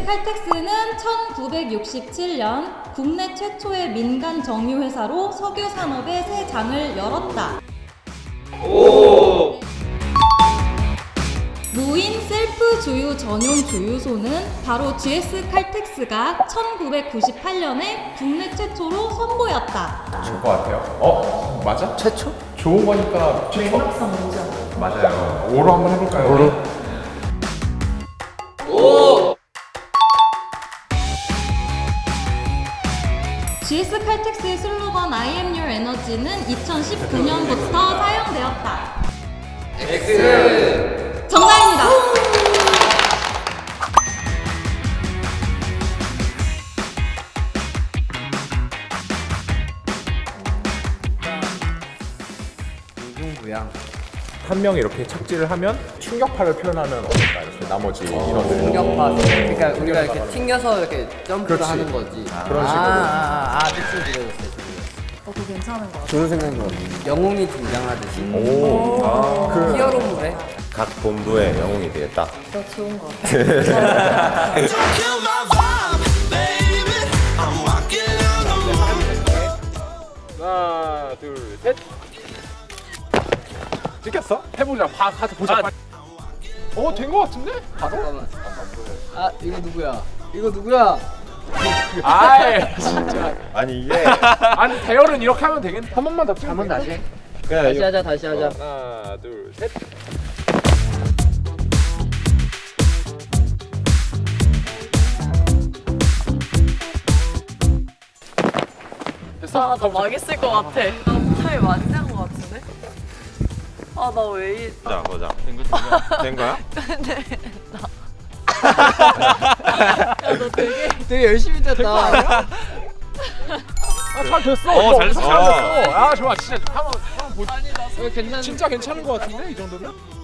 칼텍스는 1967년 국내 최초의 민간 정유회사로 석유 산업의 새 장을 열었다. 무인 셀프 주유 전용 주유소는 바로 GS 칼텍스가 1998년에 국내 최초로 선보였다. 좋을 것 같아요. 맞아? 최초? 좋은 거니까 최초. 맥락상 오죠. 맞아요. 오로 한번 해볼까요? 오로. GS 칼텍스의 슬로건 I am your energy는 2019년부터 사용되었다. X. 정답입니다. 무궁무양. 한 명이 이렇게 착지를 하면 충격파를 표현하면 어떨까? 이렇게 나머지 인원들. 충격파. 그러니까 우리가 이렇게 튕겨서 이렇게 점프를 그렇지. 하는 거지. 그런 식으로. 대충 들어졌어요. 그거 괜찮은 것 같아요. 좋은 생각인 것 같아요. 영웅이 등장하듯이. 오. 그 히어로물에. 각 본부의 영웅이 되겠다. 그거 좋은 것 같아요. 하나, 둘, 셋. 찍혔어? 해보자. 가서 보자. 빨리. 된 거 같은데? 바로? 잠깐만. 이거 누구야? 이거 누구야? 아이, 진짜. 아니 이게 아니, 대열은 이렇게 하면 되겠네. 한 번만 더 찍으면 한번 다시. 그냥 다시 하자, 다시 하자. 하나, 둘, 셋. 됐어? 나 망했을 것 같아. 나 못하게 많이 산 것 같은데? 아, 나 왜 이... 보자. 된 거야? 야, 너 되게 열심히 쳤다. 잘 됐어. 잘 됐어. 잘 됐어. 좋아. 진짜 한번 보자. 아니, 나 괜찮은 진짜 괜찮은 거 같은데 이 정도면?